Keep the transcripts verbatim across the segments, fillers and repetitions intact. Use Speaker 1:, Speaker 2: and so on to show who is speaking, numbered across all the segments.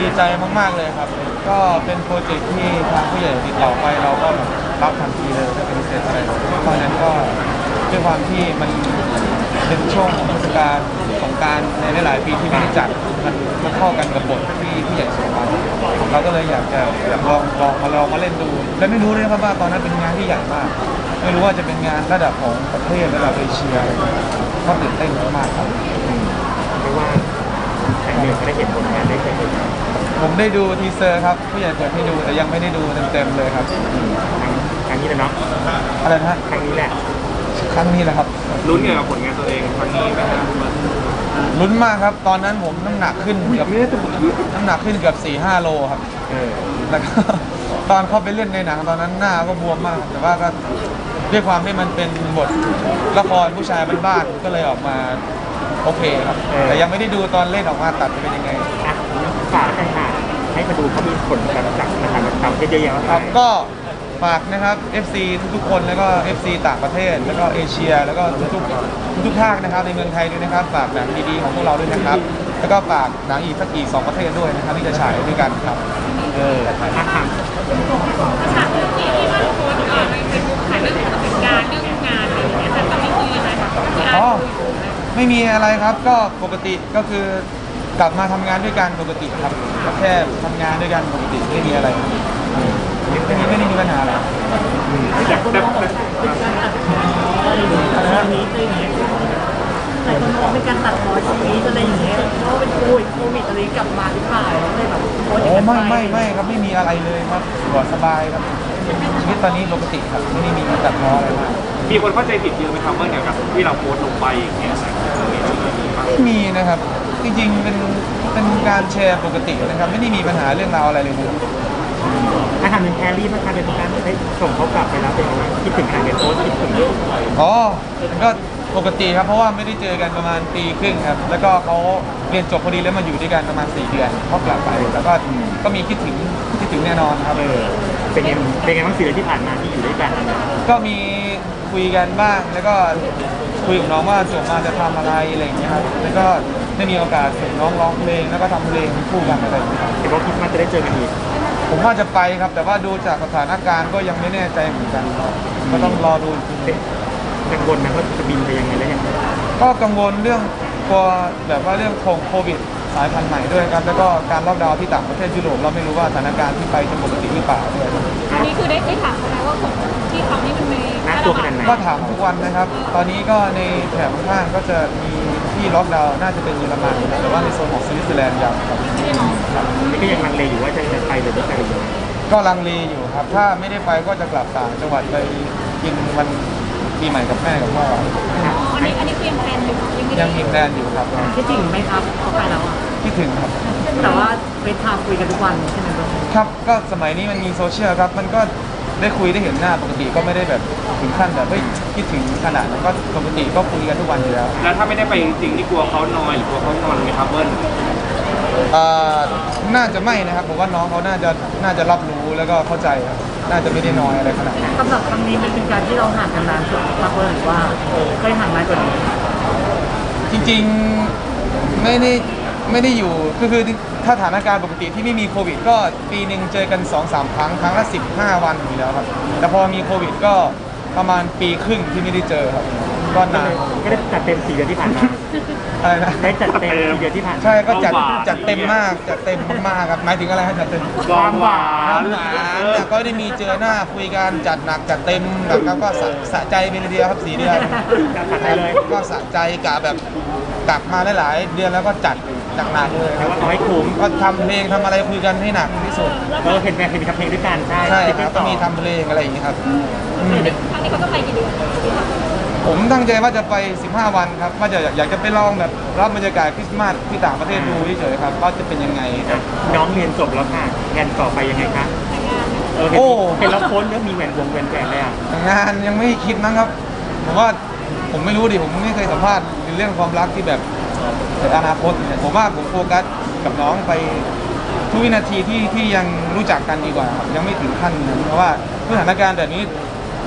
Speaker 1: ใจมากๆเลยครับก็เป็นโปรเจกต์ที่ทางผู้ใหญ่ติดต่อไปเราก็รับทันทีเลยไม่ปฏิเสธอะไรเพราะฉะนั้นก็ด้วยความที่มันเป็นช่วงเทศกาลสงกรานต์ในหลายๆปีที่ไม่ได้จัดมันมันเข้ากันกับบทที่ผู้ใหญ่ส่งมาเราก็เลยอยากจะอยากลองลองมาลองมาเล่นดูและไม่รู้เลยครับว่าตอนนั้นเป็นงานที่ใหญ่มากไม่รู้ว่าจะเป็นงานระดับของประเทศระดับเอเชียก็ตื่นเต้นมากครับ
Speaker 2: ไม่ว่าแข่งเดือนได้เห็นผลงานได้เห็น
Speaker 1: ผมได้ดูทีเซอร์ครับผู้ใหญ่เปิดให้ดูแต่ยังไม่ได้ดูเต็มๆเลยครับ
Speaker 2: ครั้งนี้เลยเนาะ
Speaker 1: อะไรนะ
Speaker 2: ครั้งนี้แหละ
Speaker 1: ครั้งนี้แหละครับ
Speaker 3: ลุ้นเกี่ยวกับผลงานตัวเองครั้งนี้ไหมครับ
Speaker 1: ลุ้นมากครับตอนนั้นผมน้ำหนักขึ้นเกือบน้ำหนักขึ้นเกือบสี่ห้าโลครับแล้วก็ตอนเข้าไปเล่นในหนังตอนนั้นหน้าก็บวมมากแต่ว่าก็ด้วยความที่มันเป็นบทละครผู้ชายบ้านๆก็เลยออกมาโอเคครับแต่ยังไม่ได้ดูตอนเล่นออกมาตัดจะเป็นยังไง
Speaker 2: ฝากให้ค่ะให้มาดูเขามีผลกระทบจากนะครับทำเยอะแยะ
Speaker 1: ครับก็ฝากนะครับ เอฟ ซี ทุกๆคนแล้วก็ เอฟ ซี ต่างประเทศแล้วก็เอเชียแล้วก็ทุกๆทุกๆภาคนะครับในเมืองไทยด้วยนะครับฝากหนังดีๆของพวกเราด้วยนะครับแล้วก็ฝากหนังอีกสักกี่สองประเทศด้วยนะครับที่จะฉายด้วยกันครับเออ
Speaker 4: ฉากที่ที่ว่าโพสต์ในเฟซบุ๊กถ่ายเรื่องประสบการณ์เรื่องงานอะไรอย่างเงี้ยแต่ตอนนี้คือยังไงคะ
Speaker 1: อ๋อไม่มีอะไรครับก็ปกติก็คือกลับมาทำงานด้วยกันปกติครับแค่ทำงานด้วยกันปกติไม่มีอะไรไม่มีไม่ได้มีปัญหาอะไร
Speaker 2: อยากแบบ
Speaker 5: อะไรนี้อะไรอย่างเงี้ยหลายคนมองเป็นการตัดพ้อชีวิตอะไรอย่างเงี้ยเพราะเป็นโควิดโควิดอะไรกลับมาหรือเปล่าเลยแบบโอ้
Speaker 1: ไม่ไม่ไม่ครับไม่มีอะไรเลยครับปลอดสบายครับชีวิตตอนนี้ปกติครับไม่ได้มีตัดพ้ออะไรมาก
Speaker 3: มีคนเข้าใจผิดเยอะไหมครับว่าเกี่ยวกับที่เราโพสต์ลงไปอย่างเงี้ย
Speaker 1: ไม่มีนะครับจริงๆเป็นเป็นการแชร์ปกตินะครับไม่ได้มีปัญหาเรื่องราวอะไรเลย
Speaker 2: ถ้าทำเป็นแครี่มาทำเป็นการได้ส่งเขากลับไปแล้วเป็นยังไงคิดถึงการเป็นโพสคิดถึง
Speaker 1: อ๋อก็ปกติครับเพราะว่าไม่ได้เจอกันประมาณปีครึ่งครับแล้วก็เขาเรียนจบพอดีแล้วมาอยู่ด้วยกันประมาณสี่เดือนเขากลับไปแล้วก็ก็มีคิดถึงคิดถึงแน่นอนครับ
Speaker 2: เป็นไงเป็นไงบ้างสี่เดือนที่ผ่านมาที่อยู่ด้วยกัน
Speaker 1: ก็มีคุยกันบ้างแล้วก็คุยกับน้องว่าจบมาจะทำอะไรอะไรอย่างเงี้ยครับแล้วก็ได้มีโอกาสส่งน้องร้องเพลงแล้วก็ทำเพลงคู่กันอะไรอย่างเงี้ยครับ
Speaker 2: เห็นว่าคิดว่าจะได้เจอกันอีก
Speaker 1: ผมว่าจะไปครับแต่ว่าดูจากสถานการณ์ก็ยังไม่แน่ใจเหมือนกันก็ต้องรอดู
Speaker 2: กังวลนะว่าจะบินไปยังไงแล้วยัง
Speaker 1: ก็กังวลเรื่องกลัวแบบว่าเรื่องโควิดสายพันธุ์ใหม่ด้วยครับแล้วก็การล็อกดาวน์ที่ต่างประเทศยุโรปเราไม่รู้ว่าสถานการณ์ที่ไปจะปกติหรือเปล่าด้วย
Speaker 4: อันนี้คือได้ได้ถามเขาไหมว่าคนที่ทำนี่มันมี
Speaker 2: น่ากลัวขนาดไหน
Speaker 1: ก็ถามทุกวันนะครับตอนนี้ก็ในแถบข้างก็จะมีที่ล็อกดาวน์น่าจะเป็นเยอรมันแต่ว่าในโซนของสวิตเซอร์แลนด์ยังครับ
Speaker 2: นี่ก็ยังลังเลอยู่ว่าจะไปหรือไม่ไปอยู่
Speaker 1: ก็ลังเลอยู่ครับถ้าไม่ได้ไปก็จะกลับต่างจังหวัดไปกินวันปีใหม่กับแม่กับพ่อ
Speaker 4: อันนี้อันนี้ยังแพลนอยู่
Speaker 1: ยังมีแพลนอยู่ครับ
Speaker 5: คิดถึงไหมครับเขาไปแล้วอ่ะ
Speaker 1: คิดถึงครับ
Speaker 5: แต่ว่าเฟซไทม์คุยกันทุกวันใช่ไหม
Speaker 1: ครับก็สมัยนี้มันมีโซเชียลครับมันก็ได้คุยได้เห็นหน้าปกติก็ไม่ได้แบบถึงขั้นแบบเฮ้ยคิดถึงขนาดนั้นก็ปกติก็คุยกันทุกวันอยู่แล้ว
Speaker 3: แล้วถ้าไม่ได้ไปจริงๆนี่กลัวเขานอยหรือกลัวเขานอนไหมครับเบิ้ล
Speaker 1: อ่าน่าจะไม่นะครับผมว่าน้องเขาน่าจะน่าจะรับรู้แล้วก็เข้าใจครับน่าจะไม่ได้น้อยอะไรขนาดนั้น
Speaker 5: สำหรับครั้งนี้มันเป็นการที่เราห่างกันนานสุดครับเบิ้ลหรือว่าเคยห่างนานกว่านี้
Speaker 1: จริงๆไม่ได้ไม่ได้อยู่คือคือถ้าสถานการณ์ปกติที่ไม่มีโควิดก็ปีหนึ่งเจอกัน สองถึงสาม ครั้งครั้งละสิบห้าวันอยู่แล้วครับแต่พอมีโควิดก็ประมาณปีครึ่งที่ไม่ได้เจอครับก็นาน
Speaker 2: ก็ได้จัดเต็มสี่เดือนที่ผ่านมา
Speaker 1: อะไรนะ
Speaker 2: ได้จัดเต็มสี่เดือนที่ผ่าน
Speaker 1: ใช่ก็จัดจัดเต็มมากจัดเต็มมากครับหมายถึงอะไรครับจัดเต็ม
Speaker 2: ความหวาน
Speaker 1: หวานแต่ก็ได้มีเจอหน้าคุยกันจัดหนักจัดเต็มแบบก็สะใจไปเลยเดียวครับสี่เดือนก็สะใจกะแบบกลับมาหลายๆเดือนแล้วก็จัดหนักเลย
Speaker 2: ครับเอาให้คุ้ม
Speaker 1: ก็ทำเพลงทำอะไรคุยกันให้หนักที่สุด
Speaker 2: เออเห็นแม่เคยมีทำเพลงด้วยกันใช่
Speaker 1: ใช่ครับก็มีทำเพลงอะไรอย่างนี้ครับ
Speaker 4: ครั้งนี้เขาจะไปกี่เดือน
Speaker 1: ผมตั้งใจว่าจะไปสิบห้าวันครับว่าจะอยากจะไปลองแบบรับบรรยากาศคริสต์มาสที่ต่างประเทศดูเฉยๆครับว่าจะเป็นยังไง
Speaker 2: น้องเรียนจบแล้วค่ะแผนต่อไปยังไงคะโอ้เห็นแล้วโค้ชแล้วมีแหวนวงแหวนแหวนเลยอ่ะ
Speaker 1: งานยังไม่คิดมั้งครับผมว่าผมไม่รู้ดิผมไม่เคยสัมภาษณ์ในเรื่องความรักที่แบบในอนาคตผมว่าผมโฟกัสกับน้องไปทุกวินาทีที่ที่ยังรู้จักกันดีกว่าครับยังไม่ถึงขั้นนั้นเพราะว่าสถานการณ์แบบนี้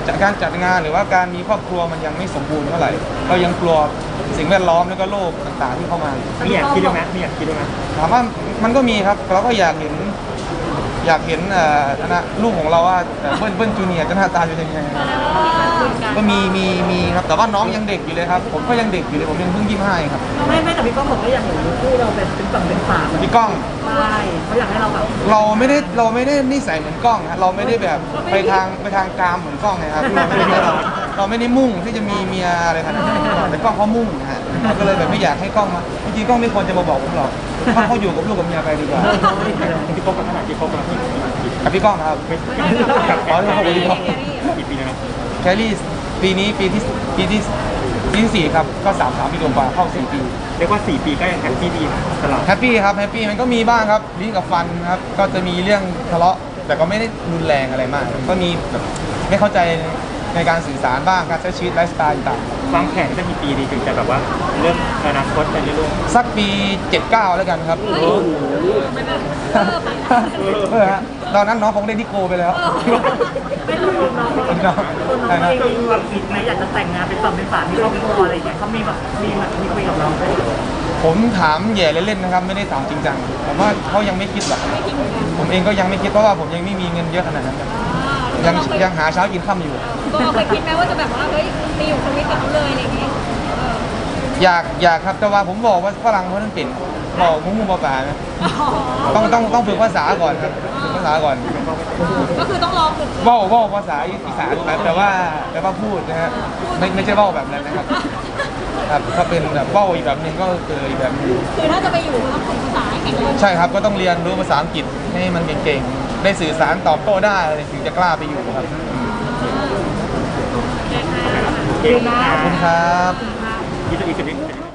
Speaker 1: จากการจัดงานหรือว่าการมีครอบครัวมันยังไม่สมบูรณ์เท่าไหร่เรายังกลัวสิ่งแวดล้อมแล้วก็โรคต่างๆที่เข้ามา
Speaker 2: มีอยากคิดด้วยไหมมีอยากคิดด้วยไหม
Speaker 1: ถามว่ามันก็มีครับเราก็อยากเห็นอยากเห็นเอ่อนะลูกของเราว่าเอ่อเบิ้ลเบิ้ลจูเนียร์จะหน้าตาเป็นยังไงก็มีมีมีครับแต่ว่าน้องยังเด็กอยู่เลยครับผมก็ยังเด็กอยู่เลยผมยังเพิ่งยี่สิบห้าครับ
Speaker 5: ไม่ไม่แต่พี่ก้องบอกว่าอยากเห็นคู่เราเป็นเป็นฝั่งเป็นฝา
Speaker 1: พี่ก้อง
Speaker 5: ใช่เขาอยากให้เราแบบ
Speaker 1: เราไม่ได้เราไม่ได้นิสัยเหมือนกล้องฮะเราไม่ได้แบบไปทางไปทางกามเหมือนกล้องนะครับเราไม่ได้เราเราไม่ได้มุ่งที่จะมีเมียอะไรขนาดนั้นแต่กล้องเขามุ่งนะฮะเราก็เลยแบบไม่อยากให้กล้องมาจริงๆกล้องไม่ควรจะมาบอกผมหรอกถ้าเขาอยู่กับลูกกับเมียไปดีกว่า
Speaker 2: ที่คบกันขนาดที่คบกันที่
Speaker 1: กับพี่ก้องนะครับ
Speaker 2: ไม่
Speaker 1: อ๋อที่คบกับพี่ก้อง
Speaker 2: กี่ปีแล้วนะ
Speaker 1: แคลรี่ปีนี้ปีที่ปีที่ปีที่สี่ครับก็สามสามปีกว่าเข้าสี่ปี
Speaker 2: เรียกว่าสี่ปีก็ยังแฮปปี้ดีนะตลอด
Speaker 1: แฮปปี้ครับแฮปปี้มันก็มีบ้างครับลิ้นกับฟันครับก็จะมีเรื่องทะเลาะแต่ก็ไม่ได้รุนแรงอะไรมาก ก็มีแบบไม่เข้าใจในการสื่อสารบ้างการใช้ชีวิตไลฟ์สไตล์ต่าง
Speaker 2: วางแผนจะมีปีดีถึงจะแบบว่าเริ่มอนาคตไปเรื่อย
Speaker 1: ๆสักปีเจ็ดเก้าแล้วกันครับเออฮะตอนนั้นน้องคงได้ที่โกไปแล้ว
Speaker 5: ไม่รู้น้องตัวน้องเองมีความคิดไหมอยากจะแต่งงานเป็นฝั่งเป็นฝามีครอบครัวอะไรอย่างเงี้ยเขามีแบบมีแบบมีคุยกับเราไหม
Speaker 1: ผมถามแย่เล่นๆนะครับไม่ได้ถามจริงจังผมว่าเขายังไม่คิดหรอกผมเองก็ยังไม่คิดเพราะว่าผมยังไม่มีเงินเยอะขนาดนั้นครับยังยังหาเช้ากินค่ำอยู่
Speaker 4: ก็เคยคิดไหมว่าจะแบบว่าเฮ้ยไปอยู่สวิตกับเขาเลยอะไรอย่างงี้เออ
Speaker 1: อยากอยากครับแต่ว่าผมบอกว่าฝรั่งเขาต้องเป็นบอกมุ้งมุ้งป่าๆนะต้องต้องต้องฝึกภาษาก่อนครับฝึกภาษาก่อน
Speaker 4: ก็คือต้องรอฝึก
Speaker 1: เว่าเว่าภาษาอีสานครับแต่ว่าแต่ว่าพูดนะฮะไม่ไม่ใช่เว่าแบบนั้นนะครับครับถ้าเป็นแบบเว่าอีกแบบหนึงก็คืออีกแบบหนึง
Speaker 4: คือถ้าจะไปอยู่ก็ต้องฝึกภาษาให้แข็งแรง
Speaker 1: ใช่ครับก็ต้องเรียนรู้ภาษาอังกฤษให้มันเก่งๆได้สื่อสารตอบโต้ได้ถึงจะกล้าไปอยู่ครับ
Speaker 2: ๆเก่งนะ
Speaker 1: ขอบคุณครับ
Speaker 2: อีกสักอีกสักนิด